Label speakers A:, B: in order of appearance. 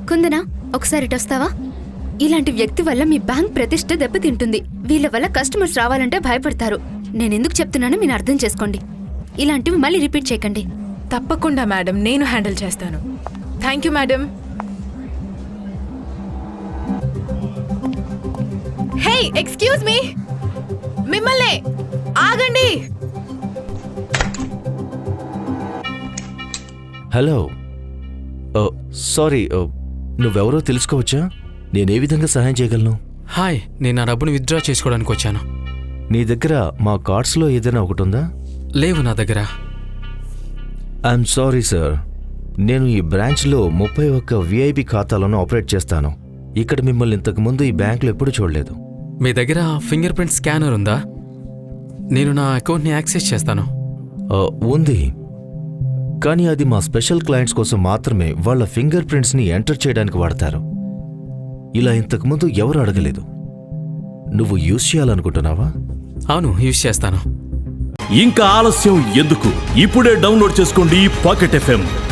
A: కుందనా, ఒకసారి ఇటొస్తావా? ఇలాంటి వ్యక్తి వల్ల మీ బ్యాంక్ ప్రతిష్ట దెబ్బతింటుంది. వీళ్ళ వల్ల కస్టమర్స్ రావాలంటే భయపడతారు. నేనెందుకు చెప్తున్నానో మీరు అర్థం చేసుకోండి. ఇలాంటివి మళ్ళీ రిపీట్ చేయకండి.
B: తప్పకుండా మేడం, నేను హ్యాండిల్ చేస్తాను. Thank you madam. Hey, excuse me, మిమ్మల్ని ఆగండి.
C: హలో, సారీ, నువ్వెవరో తెలుసుకోవచ్చా? నేనే విధంగా సహాయం చేయగలను?
D: హాయ్, నేను నా డబ్బును విత్డ్రా చేసుకోవడానికి వచ్చాను.
C: నీ దగ్గర మా కార్డ్స్లో ఏదైనా ఒకటి ఉందా?
D: లేవు నా దగ్గర.
C: ఐఎమ్ సారీ సార్, నేను ఈ బ్రాంచ్లో 31 VIP ఖాతాలను ఆపరేట్ చేస్తాను. ఇక్కడ మిమ్మల్ని ఇంతకుముందు ఈ బ్యాంకులో ఎప్పుడూ చూడలేదు.
D: మీ దగ్గర ఫింగర్ ప్రింట్ స్కానర్ ఉందా? నేను నా అకౌంట్ని యాక్సెస్ చేస్తాను.
C: ఉంది, కానీ అది మా స్పెషల్ క్లయింట్స్ కోసం మాత్రమే వాళ్ళ ఫింగర్ ప్రింట్స్ని ఎంటర్ చేయడానికి వాడతారు. ఇలా ఇంతకుముందు ఎవరు అడగలేదు. నువ్వు యూజ్ చేయాలనుకుంటున్నావా?
D: అవును, యూజ్ చేస్తాను.
E: ఇంకా ఆలస్యం ఎందుకు? ఇప్పుడే డౌన్లోడ్ చేసుకోండి పాకెట్ FM.